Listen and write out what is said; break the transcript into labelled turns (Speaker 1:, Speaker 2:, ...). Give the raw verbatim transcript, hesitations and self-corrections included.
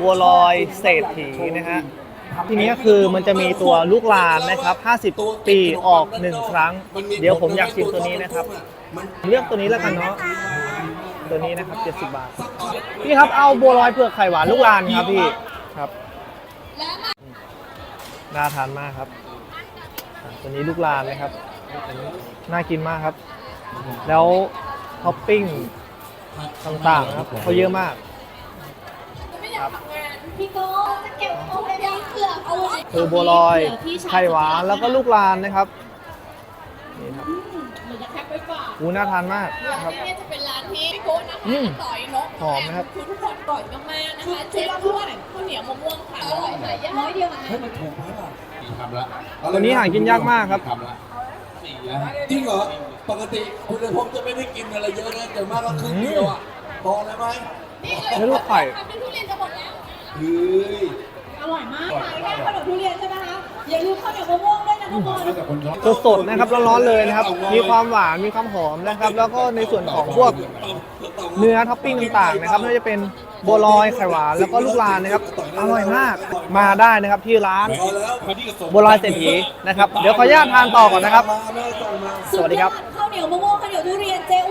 Speaker 1: บัวลอยเศรษฐีนะฮะทีนี้คือมันจะมีตัวลูกลานนะครับห้าสิบปีออกหนึ่งครั้งเดี๋ยวผมอยากชิมตัวนี้นะครับเลือกตัวนี้แล้วกันเนาะตัวนี้นะครับเจ็ดสิบบาทพี่ครับเอาบัวลอยเผือกไข่หวานลูกลานครับพี่ครับน่าทานมากครับตัวนี้ลูกลานนะครับน่ากินมากครับแล้วท็อปปิ้งต่างๆนะครับเขาเยอะมากครับคือบัวลอยไข่หวานแล้วก็ลูกลานนะครับนี่ครับอูน่าทานมากครับ
Speaker 2: นี่จะเป็นร้านที่พี่โก้นะคะต่อยนก
Speaker 1: หอมนะครับ
Speaker 2: คือทุกคนต่อยมากๆนะคะเจ๊ด้วนข้าวเหนียวมะม่วงค่ะอร่อยหายากน้อยเดียวให้มันถูกไหมล่ะ
Speaker 3: สี่คำละ
Speaker 1: ตัวนี้หากินยากมากครับ
Speaker 3: สี่แล้วจริงเหรอปกติคุณเลยผมจะไม่ได้กินอะไรเยอะนะแต่มากก็ครึ่งเดียวอ่ะพอแล้วไหม
Speaker 1: นี่ลูกไข่
Speaker 2: ทุเรียนจะหมดแล้ว
Speaker 3: เฮ้ย
Speaker 2: อร่อยมากขายแค่ขนมทุเรียนใช่ไหมคะอย่าลืมข้าวเหนียวมะม่วงด้วยนะทุกคน
Speaker 1: สดๆนะครับร้อนๆเลยนะครับมีความหวานมีความหอมนะครับแล้วก็ในส่วนของพวกเนื้อท็อปปิ้งต่างๆนะครับไม่ว่าจะเป็นบัวลอยไข่หวานแล้วก็ลูกลานนะครับอร่อยมากมาได้นะครับที่ร้านบัวลอยเศรษฐีนะครับเดี๋ยวขออนุญาตทานต่อก่อนนะครับสวัสดีครับ
Speaker 2: ข้าวเหนียวมะม่วงข้าวเหนียวทุเรียนเจ๊